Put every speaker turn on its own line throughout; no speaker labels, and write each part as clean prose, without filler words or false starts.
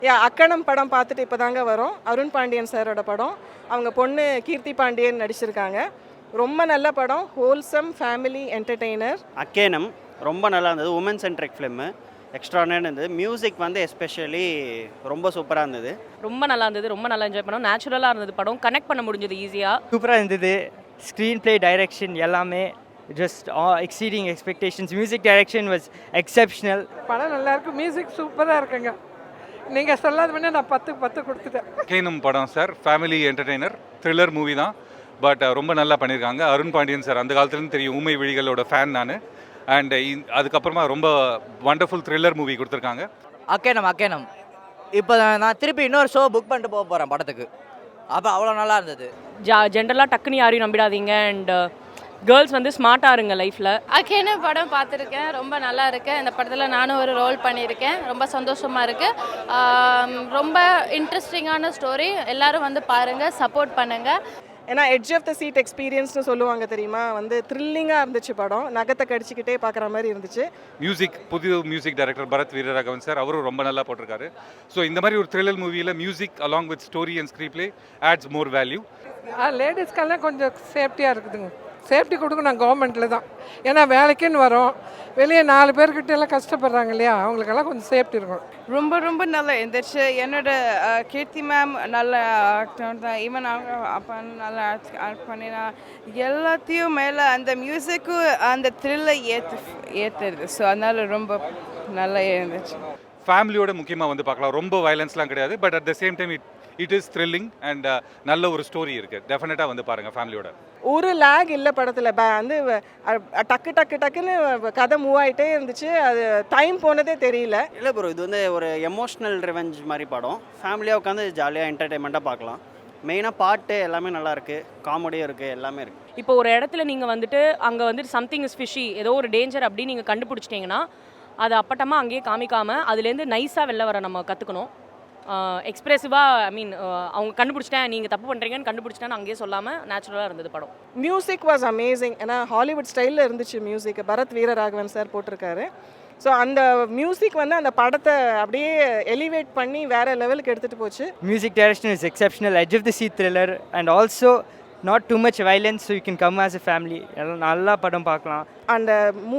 அக்கணம் படம் பார்த்துட்டு இப்போ தாங்க வரோம். அருண் பாண்டியன் சாரோட படம். அவங்க பொண்ணு கீர்த்தி பாண்டியன் நடிச்சிருக்காங்க. ரொம்ப நல்ல படம். Wholesome family entertainer.
அக்கேனம் ரொம்ப நல்லா இருந்தது. உமன் சென்ட்ரிக் ஃபிலிம்மு எக்ஸ்ட்ரானரி இருந்தது. மியூசிக் வந்து எஸ்பெஷலி ரொம்ப சூப்பராக இருந்தது.
ரொம்ப நல்லா இருந்தது. ரொம்ப நல்லா என்ஜாய் பண்ணோம். நேச்சுரலாக இருந்தது படம். கனெக்ட் பண்ண முடிஞ்சது ஈஸியாக.
சூப்பராக இருந்தது. ஸ்க்ரீன் ப்ளே டைரக்ஷன் எல்லாமே just exceeding expectations. Music direction was exceptional.
படம் நல்லா இருக்கு. மியூசிக் சூப்பராக இருக்குங்க. நீங்கள் சொல்லாத பண்ணி நான் 10க்கு 10 கொடுத்துட்டேன்.
கேனம் படம் சார், ஃபேமிலி என்டர்டெய்னர், த்ரில்லர் மூவி தான். பட் ரொம்ப நல்லா பண்ணியிருக்காங்க. அருண் பாண்டியன் சார் அந்த காலத்துலேருந்து தெரியும், ஊமை விழிகளோட ஃபேன் நான். அண்ட் அதுக்கப்புறமா ரொம்ப வண்டர்ஃபுல் த்ரில்லர் மூவி கொடுத்துருக்காங்க.
அக்கேனம் இப்போ நான் திருப்பி இன்னொரு ஷோ புக் பண்ணிட்டு போக போகிறேன் படத்துக்கு. அப்போ அவ்வளோ நல்லா இருந்தது.
ஜென்ரலாக டக்குன்னு யாரையும் நம்பிடாதீங்க. அண்ட் கேர்ள்ஸ் வந்து ஸ்மார்ட்டாக இருங்க லைஃப்பில்.
அக்கேனம் படம் பார்த்துருக்கேன். ரொம்ப நல்லா இருக்கு. இந்த படத்தில் நானும் ஒரு ரோல் பண்ணியிருக்கேன். ரொம்ப சந்தோஷமாக இருக்குது. ரொம்ப இன்ட்ரெஸ்டிங்கான ஸ்டோரி. எல்லோரும் வந்து பாருங்கள், சப்போர்ட் பண்ணுங்கள்.
ஏன்னா எட்ஜ் ஆஃப் த சீட் எக்ஸ்பீரியன்ஸ்னு சொல்லுவாங்க தெரியுமா, வந்து த்ரில்லிங்காக இருந்துச்சு படம். நகத்தை கடிச்சிக்கிட்டே பார்க்குற மாதிரி இருந்துச்சு.
மியூசிக் புது music director Bharath Veeraraghavan sir, அவரும் ரொம்ப நல்லா போட்டிருக்காரு. ஸோ இந்த மாதிரி ஒரு த்ரில்லர் மூவியில் music along with story and screen play adds more value.
லேடிஸ்க்கெல்லாம் கொஞ்சம் சேஃப்டியாக இருக்குதுங்க. சேஃப்டி கொடுக்கணும் கவர்மெண்ட்டில் தான். ஏன்னா வேலைக்குன்னு வரோம், வெளியே 4 பேர்கிட்ட எல்லாம் கஷ்டப்படுறாங்க இல்லையா, அவங்களுக்கெல்லாம் கொஞ்சம் சேஃப்டி இருக்கும்.
ரொம்ப ரொம்ப நல்லா இருந்துச்சு. என்னோட கீர்த்தி மேம் நல்ல ஆக்டர் தான். ஈவன் அவங்க அப்பா நல்லா ஆக்ட் பண்ணினா எல்லாத்தையும் மேலே அந்த மியூசிக்கும் அந்த த்ரில்லை ஏற்றுது. ஸோ அதனால ரொம்ப நல்லா இருந்துச்சு.
ஃபேமிலியோட முக்கியமாக வந்து பார்க்கலாம். ரொம்ப வயலன்ஸ்லாம் கிடையாது. But at the same time it is thrilling and நல்ல ஒரு ஸ்டோரி இருக்குது. டெஃபினட்டாக வந்து பாருங்கள் ஃபேமிலியோட.
ஒரு லேக் இல்லை படத்தில். வந்து டக்கு டக்கு டக்குன்னு கதை மூவ் ஆகிட்டே இருந்துச்சு. அது டைம் போனதே தெரியல.
இல்லை ப்ரோ, இது வந்து ஒரு எமோஷ்னல் ரிவெஞ்ச் மாதிரி படம். ஃபேமிலியாக உட்காந்து ஜாலியாக என்டர்டெயின்மெண்ட்டாக பார்க்கலாம். மெயினாக பாட்டு எல்லாமே நல்லா இருக்குது, காமெடியும் இருக்குது, எல்லாமே இருக்குது.
இப்போ ஒரு இடத்துல நீங்கள் வந்துட்டு அங்கே வந்துட்டு சம்திங் இஸ் ஃபிஷி, ஏதோ ஒரு டேஞ்சர் அப்படின்னு நீங்கள் கண்டுபிடிச்சிட்டிங்கன்னா அதை அப்பட்டமாக அங்கேயே காமிக்காமல் அதுலேருந்து நைஸாக வெளில வர நம்ம கற்றுக்கணும். எக்ஸ்பிரசிவாக அவங்க கண்டுபிடிச்சிட்டேன், நீங்கள் தப்பு பண்ணுறீங்கன்னு கண்டுபிடிச்சிட்டேன்னு அங்கேயே சொல்லாமல் நேச்சுரலாக இருந்தது படம்.
Music was amazing. ஏன்னா ஹாலிவுட் ஸ்டைலில் இருந்துச்சு மியூசிக். பரத் வீரராகவன் சார் போட்டிருக்காரு. ஸோ அந்த மியூசிக் வந்து அந்த படத்தை அப்படியே எலிவேட் பண்ணி வேறு லெவலுக்கு எடுத்துகிட்டு போச்சு.
Music direction is exceptional. Edge of the seat thriller and also not too much violence. So you can come as a family. எல்லாம் நல்லா படம் பார்க்கலாம்.
அந்த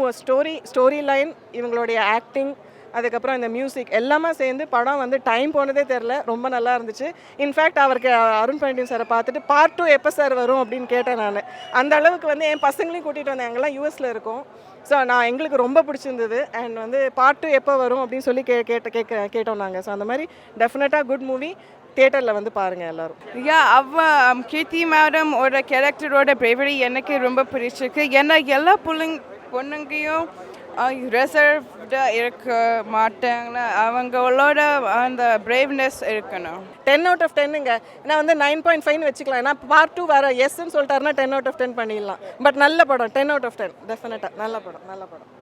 ஸ்டோரி லைன், இவங்களுடைய ஆக்டிங், அதுக்கப்புறம் இந்த மியூசிக் எல்லாமே சேர்ந்து படம் வந்து டைம் போனதே தெரில. ரொம்ப நல்லா இருந்துச்சு. இன்ஃபேக்ட் அவருக்கு அருண் பாண்டியன் சாரை பார்த்துட்டு பார்ட் 2 எப்போ சார் வரும் அப்படின்னு கேட்டேன் நான். அந்த அளவுக்கு வந்து என் பசங்களையும் கூட்டிகிட்டு வந்தேன். எங்கெல்லாம் யூஎஸில் இருக்கோம். ஸோ எங்களுக்கு ரொம்ப பிடிச்சிருந்தது. அண்ட் வந்து பார்ட் 2 எப்போ வரும் அப்படின்னு சொல்லி கேட்டோம் நாங்கள். ஸோ அந்த மாதிரி டெஃபினட்டாக குட் மூவி. தியேட்டரில் வந்து பாருங்கள் எல்லோரும்.
கீர்த்தி மேடம் ஒரு கேரக்டரோட பிரேவரி எனக்கு ரொம்ப பிடிச்சிருக்கு. ஏன்னா எல்லா பொண்ணுங்கையும் ரிசர்வ்டாக இருக்க மாட்டாங்கன்னா அவங்களோட அந்த பிரேவ்னஸ் இருக்கணும்.
10 out of 10ங்க. ஏன்னா வந்து 9.5 வச்சுக்கலாம். ஏன்னா பார்ட் 2 வேறு எஸ்ன்னு சொல்லிட்டாருன்னா 10 out of 10 பண்ணிடலாம். பட் நல்ல படம். 10 out of 10 டெஃபினட்டாக நல்ல படம்.